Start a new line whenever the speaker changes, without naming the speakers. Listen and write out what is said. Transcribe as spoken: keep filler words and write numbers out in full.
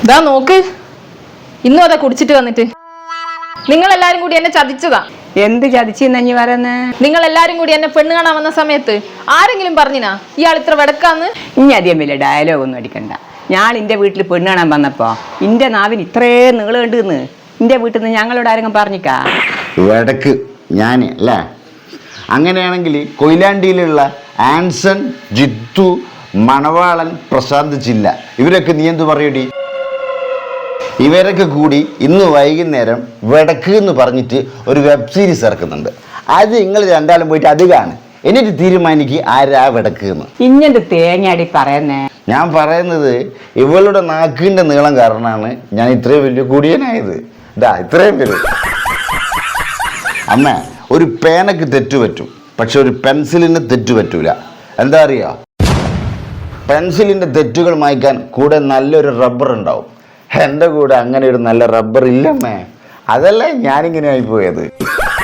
ഇതാ നോക്ക്, ഇന്നും അതാ കുടിച്ചിട്ട് വന്നിട്ട്. നിങ്ങൾ എല്ലാരും കൂടി എന്നെ ചതിച്ചതാ.
എന്ത് ചതിച്ചെന്നു പറയുന്നേ?
നിങ്ങൾ എല്ലാരും കൂടി എന്നെ പെണ്ണ് കാണാൻ വന്ന സമയത്ത് ആരെങ്കിലും പറഞ്ഞിനാ ഇയാൾ ഇത്ര വെടക്കാന്ന്?
ഇനി അധികം വലിയ ഡയലോഗ് ഒന്നും അടിക്കണ്ട. ഞാൻ എൻ്റെ വീട്ടിൽ പെണ്ണ് കാണാൻ വന്നപ്പോ എൻ്റെ നാവിന് ഇത്രയും നീളുണ്ടെന്ന് എൻ്റെ വീട്ടിൽ നിന്ന് ഞങ്ങളോട് ആരെങ്കിലും പറഞ്ഞിക്കാ?
വടക്ക് ഞാൻ അല്ലേ? അങ്ങനെയാണെങ്കിൽ കൊയിലാണ്ടിയിലുള്ള ആൻസൺ, ജിത്തു, മണവാളൻ, പ്രശാന്ത് ചില്ല ഇവരൊക്കെ നീ എന്തു പറയൂടി? ഇവരൊക്കെ കൂടി ഇന്ന് വൈകുന്നേരം വടക്ക് എന്ന് പറഞ്ഞിട്ട് ഒരു വെബ് സീരീസ് ഇറക്കുന്നുണ്ട്. അത് നിങ്ങൾ രണ്ടാളും പോയിട്ട് അത് കാണും, എന്നിട്ട് തീരുമാനിക്കുക ആരാ വടക്ക് എന്ന്.
ഇഞ്ഞെന്ത് തേങ്ങയാടി പറയുന്നേ?
ഞാൻ പറയുന്നത് ഇവളുടെ നാക്കിൻ്റെ നീളം കാരണമാണ് ഞാൻ ഇത്രയും വലിയ കുടിയനായത്. ഇതാ ഇത്രയും വരും. അമ്മ, ഒരു പേനക്ക് തെറ്റു പറ്റും, പക്ഷെ ഒരു പെൻസിലിന് തെറ്റു പറ്റൂല. എന്താ അറിയോ? പെൻസിലിൻ്റെ തെറ്റുകൾ മായ്ക്കാൻ കൂടെ നല്ലൊരു റബ്ബർ ഉണ്ടാവും. എൻ്റെ കൂടെ അങ്ങനെ ഒരു നല്ല റബ്ബർ ഇല്ലമ്മേ. അതല്ലേ ഞാനിങ്ങനെ ആയിപ്പോയത്.